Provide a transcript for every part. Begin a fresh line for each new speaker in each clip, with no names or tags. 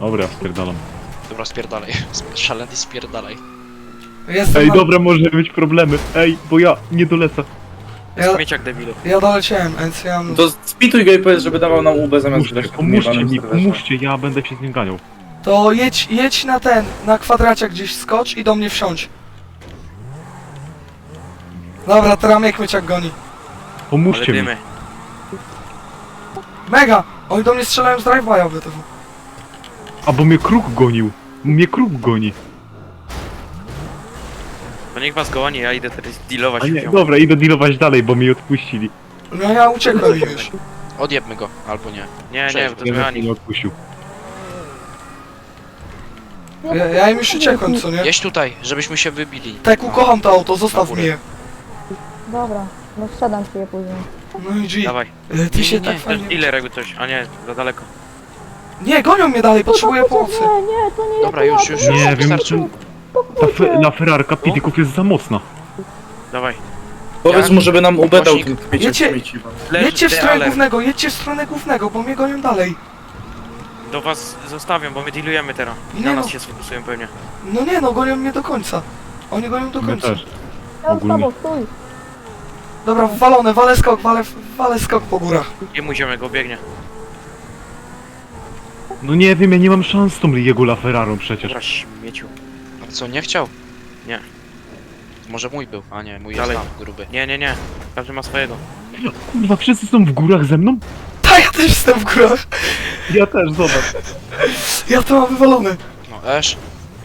Dobra, spierdalam.
Dobra, spierdalaj. Szaleny spierdalaj.
Jestem
Ej,
na...
dobra, może być problemy. Ej, bo ja nie dolecę.
Ja,
Śmieciak debilu.
ja doleciałem, więc ja mam...
To spituj go i powiedz, żeby dawał nam UB zamiast grać na
Pomóżcie
gniewanym
mi,
serwerze.
pomóżcie, ja będę się z nim ganiał.
To jedź na ten, na kwadracie gdzieś skocz i do mnie wsiądź. Dobra, teraz mnie Kmieciak goni.
Ale
Pomóżcie mi.
dymy.
Mega! Oni do mnie strzelają z drive-by'a WTF.
A bo mnie kruk gonił. Mnie kruk goni.
To niech was goni, ja idę teraz dealować
A nie,
się.
dobra, idę dealować dalej, bo mi odpuścili.
No ja uciekłem już.
Odjebmy go, albo nie.
Nie,
Cześć,
bo to
Nie,
mechanik.
nie odpuścił.
Ja im już uciekłem, co nie?
Jeźdź tutaj, żebyśmy się wybili.
Teku, kocham to auto, zostaw
górę.
mi je.
Dobra, no sprzedam ci je później.
No i G.
Dawaj.
Ty się
Nie,
tak
nie,
To jest
fajnie...
dealer jakby coś, a nie, za daleko.
Nie, gonią mnie dalej, potrzebuję pomocy.
Nie, nie, to nie
Dobra,
ja,
już,
to
już,
ja.
już.
Nie wiem,
wystarczy.
czy ta ferrarka pitików jest za mocna.
Dawaj.
Powiedz mu, żeby nam UB dał
Głośnik.
ten kmieciak
Jedźcie.
śmieci.
Leży
Jedźcie w stronę
dealer.
głównego, jedźcie w stronę głównego, bo mnie gonią dalej.
Do was zostawiam, bo my dealujemy teraz. I
Nie
na
no.
nas się sfokusują pewnie.
No nie no, gonią mnie do końca. Oni gonią do
My
końca.
też.
Ja z
Ogólnie.
tobą, stój.
Dobra, walone, walę skok po górach.
Nie mój ziomek, go biegnie.
No nie wiem, ja nie mam szans z tą jego LaFerrarą przecież.
Dobra, śmieciu.
A co, nie chciał?
Nie.
Może mój był, a nie, mój jest
Dalej.
tam, gruby.
Nie, nie, nie. Każdy ma swojego.
Kurwa, wszyscy są w górach ze mną?
Ta, ja też jestem w górach.
Ja też, zobacz.
Ja to mam wywalone.
No, Esz,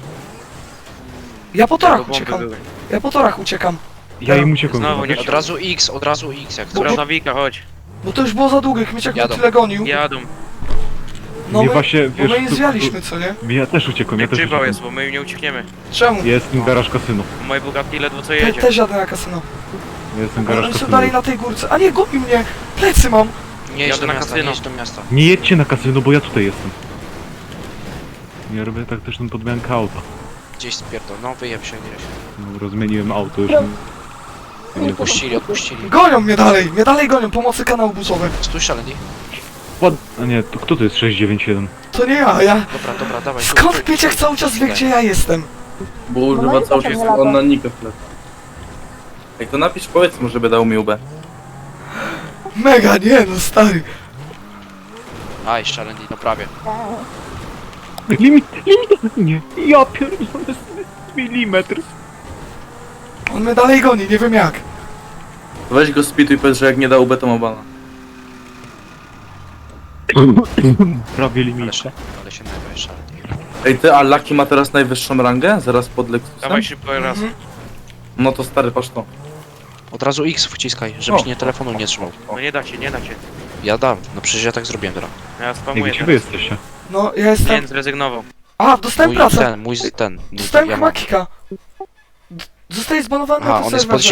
Ja po
Tego
torach
bomby
uciekam.
były.
Ja po torach uciekam.
Ja im uciekłem.
Znowu
zobacz.
nie-
od razu X jak
Dobra,
coś.
Nawika, chodź.
Bo to już było za długie, Kmieciak mnie
Jadą.
tyle gonił.
Jadą.
No
Mnie
my,
właśnie,
bo my nie
tu-
zwialiśmy, co nie?
Ja też uciekłem, ja też
Grzybał
uciekłem.
jest, bo my im nie uciekniemy.
Czemu?
Jestem garaż kasyno.
Moje Bugatti ledwo co jedzie.
Też jadę na kasyno.
Jestem
Oni
garaż
są
kasyno.
dalej na tej górce. A nie, goni mnie! Plecy mam!
Nie jedź
Jadę
do
na
miasta, nie
kasyno.
jedź do miasta.
Nie jedźcie na kasyno, bo ja tutaj jestem. Ja robię taktyczną podmiankę auta.
Gdzieś spierdol, no wyjeb się gdzieś.
Dobra, zmieniłem auto już. Nie,
Odpuścili.
Gonią mnie dalej gonią, pomocy kanał buzowy.
Stój szaleni.
A nie, to kto to jest 691?
To nie ja.
Dobra, dawaj. tu,
Skąd
tu,
Kmieciak
tu,
cały czas wie,
tutaj.
gdzie ja jestem?
Bo
No
używa
i
cały
potem
czas
nie lata.
on na nikę wtedy. Jak to napisz, powiedz mu, żeby dał mi UB.
Mega, nie no, stary.
Aj, szaleni, no prawie.
Limit, nie. Ja pierdolę, milimetr.
On mnie dalej goni, nie wiem jak.
Weź go spituj i powiedz, że jak nie da UB, to ma bana.
Prawie
Ale
limit.
się najpierw szaleni.
Ej ty, a Lucky ma teraz najwyższą rangę? Zaraz pod Lexusem?
Dawaj szybko raz.
Mhm.
No to stary, patrz to.
Od razu X wciskaj, żebyś
O.
nie telefonu nie trzymał.
No nie da się, nie da się.
Ja dam, no przecież ja tak zrobiłem teraz.
Ja
Nie,
spamuję
gdzie wy
teraz.
jesteście?
No, ja jestem...
Nie, zrezygnował.
A, dostałem pracę.
Mój
Dostałem
ja
chyba
mam.
kika. Zostaje zbanowany
Aha,
na
on
tym
jest pod
serwerze.